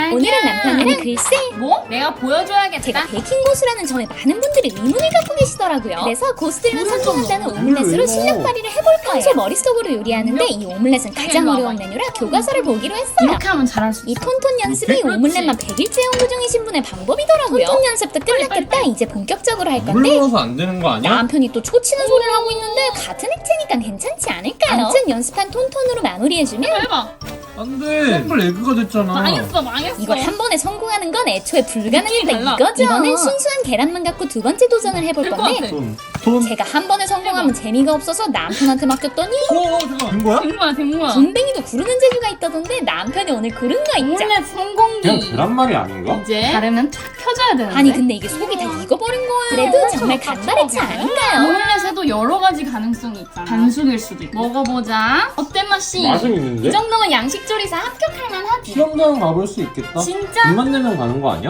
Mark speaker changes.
Speaker 1: 오늘은 남편이랑 글쎄
Speaker 2: 뭐? 내가 보여줘야겠다.
Speaker 1: 제가 베이킹 고수라는 점에 많은 분들이 의문을 갖고 계시더라고요. 그래서 고수들만 성공한다는 오믈렛으로 실력 발휘를 해볼 거예요. 평소 머릿속으로 요리하는데 이 오믈렛은 가장 어려운 메뉴라 교과서를 보기로 했어요.
Speaker 2: 이렇게 하면 잘할 수 있어.
Speaker 1: 이 톤톤 연습이
Speaker 2: 그렇지.
Speaker 1: 오믈렛만 100일째 연구 중이신 분의 방법이더라고요. 톤톤 연습도 끝났겠다. 이제 본격적으로 할
Speaker 3: 물
Speaker 1: 건데
Speaker 3: 넣어서 안 되는 거 아니야?
Speaker 1: 남편이 또 초치는 소리를 하고 있는데 같은 액체니까 괜찮지 않을까요? 아무튼 연습한 톤톤으로 마무리해주면
Speaker 2: 해봐.
Speaker 3: 안 돼. 샘플 에그가 됐잖아.
Speaker 2: 망했어.
Speaker 1: 이걸 한 번에 성공하는 건 애초에 불가능이다
Speaker 2: 달라.
Speaker 1: 이거죠. 이번엔 순수한 계란만 갖고 두 번째 도전을 해볼
Speaker 2: 될 것
Speaker 1: 건데
Speaker 2: 같아.
Speaker 3: 톤.
Speaker 1: 제가 한 번에 성공하면 재미가 없어서 남편한테 맡겼더니
Speaker 3: 잠깐. 된 거야?
Speaker 2: 된 거야.
Speaker 1: 군뱅이도 구르는 재주가 있다던데 남편이 오늘 구른 거 있죠?
Speaker 2: 오믈렛 성공기.
Speaker 3: 그냥 계란말이 아닌가?
Speaker 2: 이제 다르면 탁 펴줘야 되는데.
Speaker 1: 아니 근데 이게 속이 다 익어버린 거예요. 그래도 정말 간발의 차 아닌가요?
Speaker 2: 오믈렛에도 여러 가지 가능성이 있잖아. 반숙일 수도 있고. 먹어보자. 어때 맛이?
Speaker 3: 맛은
Speaker 2: 이
Speaker 3: 있는데?
Speaker 2: 정도면 양식조리사 합격할 만하지.
Speaker 3: 수영장 가볼 수 있겠다.
Speaker 2: 진짜?
Speaker 3: 2만 내면 가는 거 아니야?